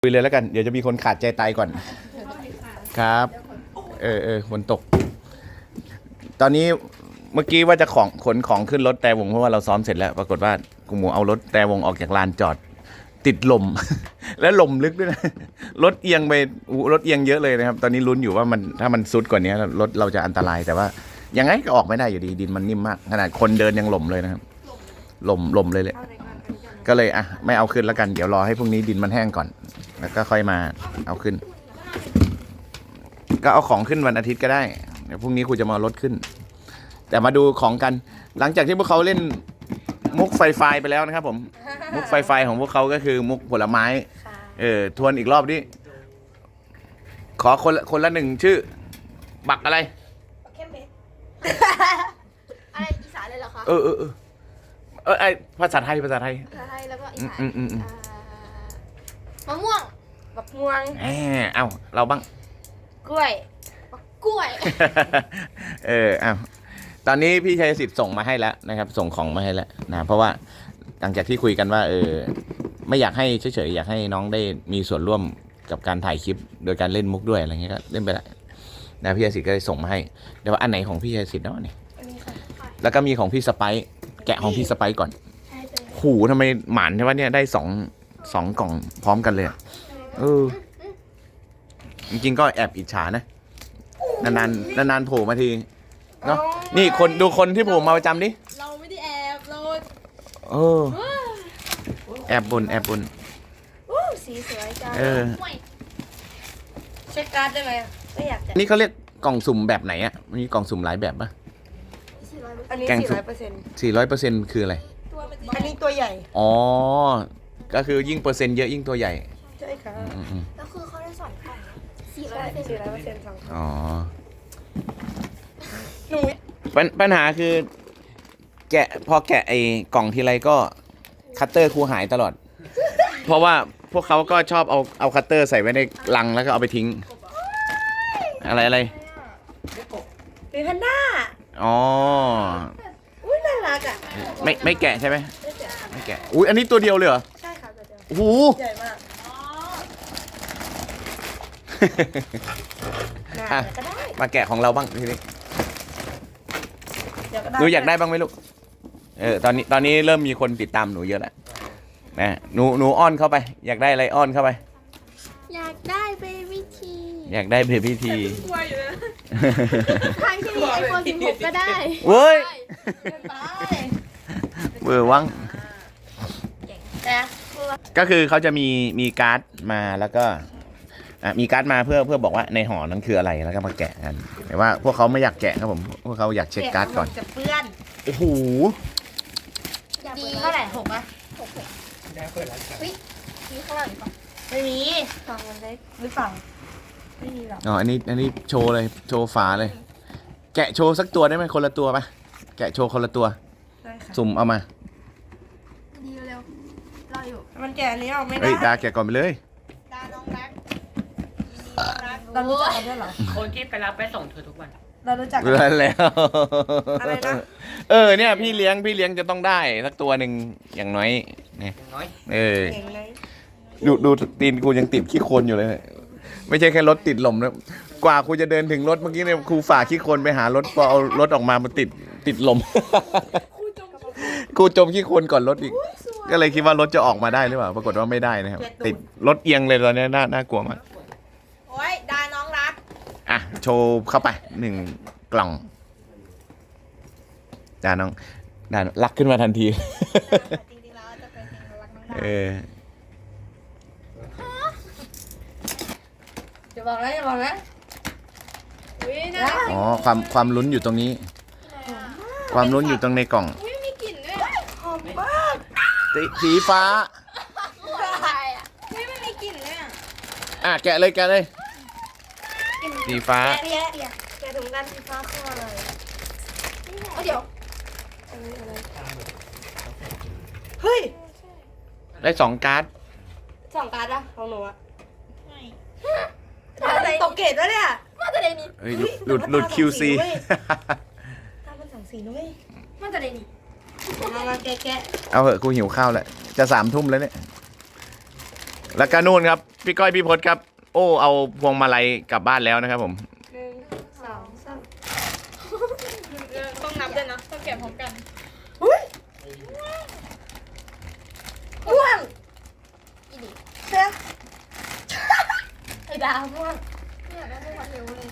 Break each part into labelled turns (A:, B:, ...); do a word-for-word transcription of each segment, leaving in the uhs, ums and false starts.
A: คุยเลยแล้วกันเดี๋ยวจะมีคนขาดใจตายก่อนครับเออเออฝนตกตอนนี้เมื่อกี้ว่าจะของขนของขึ้นรถแต่วงเพราะว่าเราซ้อมเสร็จแล้วปรากฏว่ากูหมูเอารถแต่วงออกจากลานจอดติดลม แล้วลมลึกด้วยนะรถเอียงไปรถเอียงเยอะเลยนะครับตอนนี้ลุ้นอยู่ว่ามันถ้ามันซุดกว่านี้รถเราจะอันตรายแต่ว่ายังไงก็ออกไม่ได้อยู่ดีดินมันนิ่มมากขนาดคนเดินยังหล่มเลยนะครับหล่มหล่มเลยเลยก็เลยอ่ะไม่เอาขึ้นแล้วกันเดี๋ยวรอให้พรุ่งนี้ดินมันแห้งก่อนแล้วก็ค่อยมาเอาขึ้นก็เอาของขึ้นวันอาทิตย์ก็ได้เดี๋ยวพรุ่งนี้ครูจะมาลดขึ้นแต่มาดูของกันหลังจากที่พวกเขาเล่นมุกไฟไฟไปแล้วนะครับผมมุกไฟไฟของพวกเขาก็คือมุกผลไม้เออทวนอีกรอบดิขอคนละคนละหนึ่งชื่อบักอะไร
B: เข้มเพชรอะไรอีสานเลยเหรอคะ
A: เออเออเออเออไอภาษาไทยภาษาไทย
B: ภาษาไทยแล้วก็อีสาน
A: อืมอืมอืม
B: มะม่วงบักม่วง
A: แหมเอ้าเราบ้าง
B: กล้วยบักกล้วย
A: เออเอ้าตอนนี้พี่ชัยสิทธิ์ส่งมาให้แล้วนะครับส่งของมาให้แล้วนะเพราะว่าหลังจากที่คุยกันว่าเออไม่อยากให้เฉยๆอยากให้น้องได้มีส่วนร่วมกับการถ่ายคลิปโดยการเล่นมุกด้วยอะไรเงี้ยก็เล่นไปละนะพี่ชัยสิทธิ์ก็เลยส่งมาให้เดี๋ยวว่าอันไหนของพี่ชัยสิทธิ์เนาะนี่แล้วก็มีของพี่สไปซ์แกะของพี่สไปซ์ก่อนหูทำไมหมานใช่ไหมเนี่ยได้สองสองกล่องพร้อมกันเลยเออจริงๆก็แอบอิจฉานะนานๆนานๆโผล่มาทีเนาะนี่คนดูคนที่โผล่มาประจำดิ
B: เราไม่ได้แอบเรา
A: เออแอบบนแอบบน
B: สีสวยจัง
A: เออ
B: เช็คการ์ดได้ไหมไม่อยากแต่
A: นี่เขาเรียกกล่องสุ่มแบบไหนอ่ะมีกล่องสุ่มหลายแบบปะ
B: อันนี้สี่ร้อยเปอร์เซ็นต์
A: สี่ร้อยเปอร์เซ็นต์คืออะไร
B: อันนี้ตัวใหญ่
A: อ๋อก็คือยิ่งเปอร์เซ็นต์เยอะยิ่งตัวใหญ่
B: ใช่ค่ะแล้วคือเขาได้สอนกล่องสี่ร้อยเปอร์เซ็นต์สี่ร้อยเปอร์เซ็นต์สอง
A: อ๋อ
B: หนู
A: ปัญหาคือแกะพอแกะไอ้กล่องทีไรก็คัตเตอร์ครูหายตลอดเพราะว่าพวกเขาก็ชอบเอาเอาคัตเตอร์ใส่ไว้ในลังแล้วก็เอาไปทิ้งอะไรอะไร
B: เป็นแพนด้า
A: อ๋อ
B: อุ้ยน่ารักอ่ะ
A: ไม่ไม่แกะใช่ไหมไม่แกะอุ้ยอันนี้ตัวเดียวเลยเหรอ
B: ใช่ค่ะตัวเดียว
A: โอ้โห
B: ใหญ่มาก
A: อ่ะมาแกะของเราบ้างทีนี้หนูอยากได้บ้างไหมลูกเออตอนนี้ตอนนี้เริ่มมีคนติดตามหนูเยอะแล้วนะหนูหนูอ้อนเข้าไปอยากได้อะไรอ้อนเข้าไป
B: อยากได้เบบี้ที
A: อยากได้เบบี้ที
B: ทางที่มีไอโฟนสิบหกก็ได้
A: เว้ยเบอร์วังก็คือเขาจะมีมีการ์ดมาแล้วก็อ่ะมีการ์ดมาเพื่อเพื่อบอกว่าในห่อนั้นคืออะไรแล้วก็มาแกะกันแต่ว่าพวกเขาไม่อยากแกะครับผมพวกเขาอยากเช็คการ์ดก่อน
B: จะเปื้อน
A: โอ้โห
B: ดีเท่าไหร่หกไหมหกหกได้เปิดแล้วค่ะมีข้างหลังป่ะไม่มีฟังมันได้หรือเปล่าไม่มีหรอก
A: อ๋ออันนี้อันนี้โชว์เลยโชว์ฝาเลยแกะโชว์สักตัวได้ไหมคนละตัวปะแกะโชว์คนละตัวสุ่มเอามา
B: ดีเร็วรออยู่มันแกะอันนี้ออกไม่ได้
A: เฮ้ยดาแกะก่อนไปเลย
B: ดาน้องรักเรารู้จักกันด้วยเหรอ
C: คนที่ไปรับไปส่งเธอทุกวัน
B: เรารู้จักกัน
A: แล้ว
B: อะไรนะ
A: เออเนี่ยพี่เลี้ยงพี่เลี้ยงจะต้องได้สักตัวหนึ่งอย่างน้อยเนี่ยเออดูดูตีนกูยังติดขี้โคลนอยู่เลยไม่ใช่แค่รถติดลมนะกว่าครูจะเดินถึงรถเมื่อกี้เนี่ยครูฝ่าขี้โคลนไปหารถพอเอารถออกมามันติดติดลมครูจมขี้โคลนก่อนรถอีกก็เลยคิดว่ารถจะออกมาได้หรือเปล่าปรากฏว่าไม่ได้นะครับติดรถเอียงเลยตอนนี้น่าน่ากลัวมาก
B: โอ้ยดาน้องรัก
A: อ่ะโชว์เข้าไปหนึ่งกล่องดาน้องดารักขึ้นมาทันที
B: จริงๆแล้วจะเป็นรักน้องดา
A: เออ
B: จะบอกแล้วจะบอกแล้ว
A: อ๋อความความลุ้นอยู่ตรงนี้ความลุ้นอยู่ตรงในกล่อง
B: ไม่มีกลิ่นด้วยหอมมาก
A: สีฟ้า
B: ไม่ไม่มีกลิ่นเลยอ่ะ
A: อ่ะแกะเลยแกะเลยสีฟ้า
B: แกะแกะแกะถุงกันสีฟ้าคืออะไรเดี๋ยวเฮ้ย
A: ได้สองการ์ด
B: สองการ์ดอะของหนูอะตกเกตแล้วเนี่ยมาจะได้นี่
A: หลุดหลุด คิว ซี
B: ตามันสองสีนุ้ยมาจะได้นี่มามาแกะแกะ
A: เอาเหอะกูหิวข้าวแล้วจะสามทุ่มแล้วเนี่ยแล้วก็นู่นครับ พี่ก้อยพี่พศครับ โอ้เอาพวงมาลัยกลับบ้านแล้วนะครับผม
B: หนึ่งสองสาม
D: ต้องนับด้วยนะ ต้องแกะพร้อมกัน
B: ม่วงอีดิเชื่อไอ้ดาวม่วงเนี่ยได้ไม่พอเทวเลย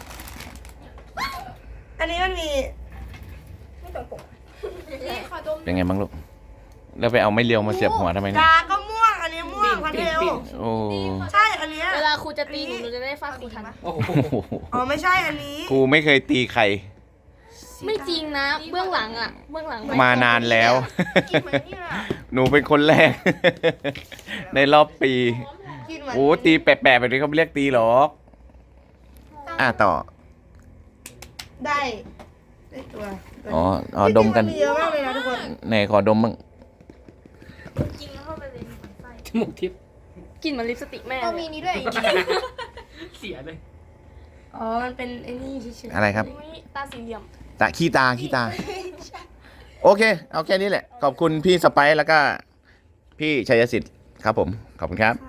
B: อันนี้มันมีไม่ตรงปกนี่ขอดม
A: เป็นไงบ้างลูก แล้วไปเอาไไม่เลียวมาเสียบหัวทำไมเนี่ย
B: กาก็ม่วง อันนี้ม่วงพันเทล
A: โอ้
B: ใช่อันเนี้ย
D: เวลาครูจะตีหนูหนูจะได้ฟาดครูทัน
C: โอ้โห
B: อ๋อไม่ใช่อันนี้
A: ครูไม่เคยตีใคร
D: ไม่จริงนะ เบื้องหลังอ่ะ เบื้องหลัง
A: มานานแล้ว
B: กินเหมือนนี่แหละ
A: หนูเป็นคนแรก ในรอบปี
B: กินเหมือน
A: โอ้ตีแปะๆแบบนี้เขาไม่เรียกตีหรอก อ่ะต่อ
B: ได้ได้ตัว
A: อ๋ออ๋อดมกัน
B: จริงๆมีเยอะมากเลยนะทุกคน
A: ไหนขอดมบ้าง
D: จริงแล้วเข้าไปเลย
C: จมูกทิพย์
D: กลินเหมือนลิปสติกแม่
B: เรามีนี้ด้วย
C: เสียเลย
B: อ๋อมันเป็นไอ้นี่เฉย
A: อะไรครับ
D: อุ๊ยตาสี่เหลี่ยม
A: ตาขี้ตาขี้ตา โอเค เอาแค่นี้แหละ ขอบคุณพี่สไปซ์แล้วก็ พี่ชัยสิทธิ์ครับผม ขอบคุณครับ
B: ๆ